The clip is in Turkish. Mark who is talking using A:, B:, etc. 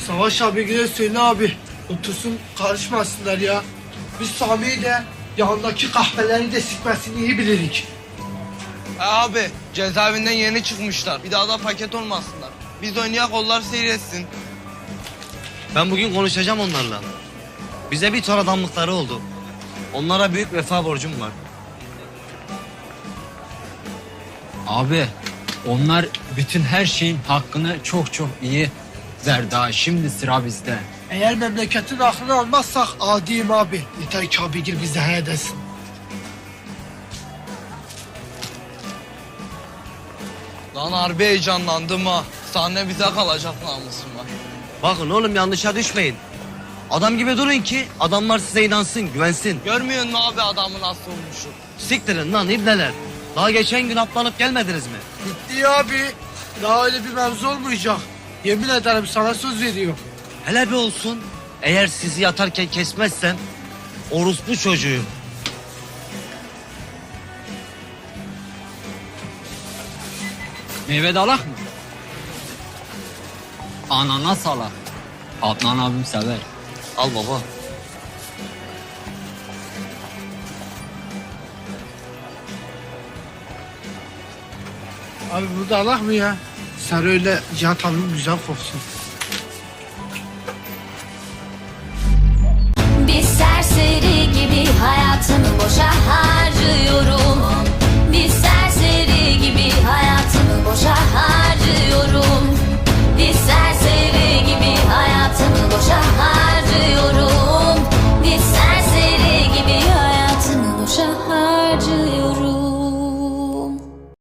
A: Savaş abigile söyle abi. Otursun karışmasınlar ya. Biz Sami'yi de yanındaki kahveleri de sikmesini iyi bilirik.
B: Abi cezaevinden yeni çıkmışlar. Bir daha da paket olmasınlar. Biz oynayak onlar seyretsin.
C: Ben bugün konuşacağım onlarla. Bize bir ton adamlıkları oldu. Onlara büyük vefa borcum var.
D: Abi onlar bütün her şeyin hakkını çok çok iyi verdi ha. Şimdi sıra bizde.
A: Eğer memleketin aklını almazsak adiyim abi. Yeter ki abigil bize he desin.
B: Lan harbi heyecanlandım ha. Sahne bize kalacak namusum var.
C: Bakın oğlum yanlışa düşmeyin. Adam gibi durun ki adamlar size inansın, güvensin.
B: Görmüyor musun abi adamı nasıl olmuşu?
C: Siktirin lan ibneler. Daha geçen gün atlanıp gelmediniz mi?
A: Bitti abi. Daha öyle bir mevzu olmayacak. Yemin ederim sana söz veriyorum.
C: Hele bir olsun. Eğer sizi yatarken kesmezsem orospu çocuğu.
D: Meyve de alak mı? Ananas alak. Adnan abim sever.
C: Al baba.
A: Abi burada Allah mı ya? Sen öyle Cihat abim güzel koksun.